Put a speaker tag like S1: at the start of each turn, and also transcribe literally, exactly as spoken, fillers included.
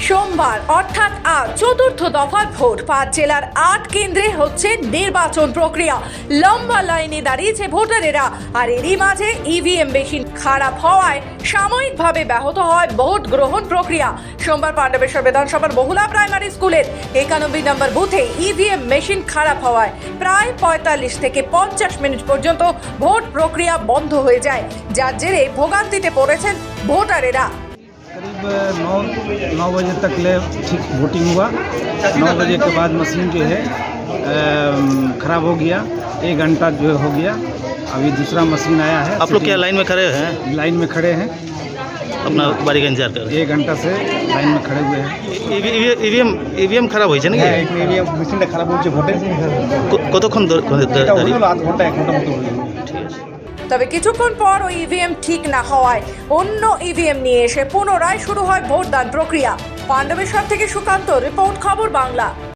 S1: সোমবার অর্থাৎ আজ চতুর্থ দফার ভোট। পাঁচ জেলার আট কেন্দ্রে হচ্ছে নির্বাচন প্রক্রিয়া। লম্বা লাইনে দাঁড়িয়েছে ভোটারেরা, আর এরই মাঝে ইভিএম মেশিন খারাপ হওয়ায় সাময়িকভাবে ব্যাহত হয় ভোট গ্রহণ প্রক্রিয়া। সোমবার পাণ্ডবেশ্বর বিধানসভার বহুলা প্রাইমারি স্কুলের একানব্বই নম্বর বুথে ইভিএম মেশিন খারাপ হওয়ায় প্রায় পঁয়তাল্লিশ থেকে পঞ্চাশ মিনিট পর্যন্ত ভোট প্রক্রিয়া বন্ধ হয়ে যায়, যার জেরে ভোগান্তিতে পড়েছেন ভোটারেরা।
S2: करीब नौ नौ बजे तक ले ठीक वोटिंग हुआ। नौ बजे के बाद मशीन जो है ख़राब हो गया। एक घंटा जो हो गया, अभी दूसरा मशीन आया है।
S3: आप लोग क्या लाइन में खड़े हैं?
S2: लाइन में खड़े हैं,
S3: अपना बारी का इंतजार कर रहे
S2: एक घंटा से लाइन में खड़े हुए हैं।
S3: हैं। ইভিএম ইভিএম খারাপ হয়েছে নাকি?
S2: হ্যাঁ, ইভিএম মেশিনটা খারাপ হচ্ছে, ভোটের
S3: ক- কতক্ষণ ধরে- ধরে দাঁড়িয়ে?
S2: আধ ঘন্টা এক ঘন্টা মতো হয়ে
S3: ঠিক আছে।
S1: তবে কিছুক্ষণ পর ওই ইভিএম ঠিক না হওয়ায় অন্য ইভিএম নিয়ে এসে পুনরায় শুরু হয় ভোটদান প্রক্রিয়া। পাণ্ডবেশ্বর থেকে সুকান্ত রিপোর্ট, খবর বাংলা।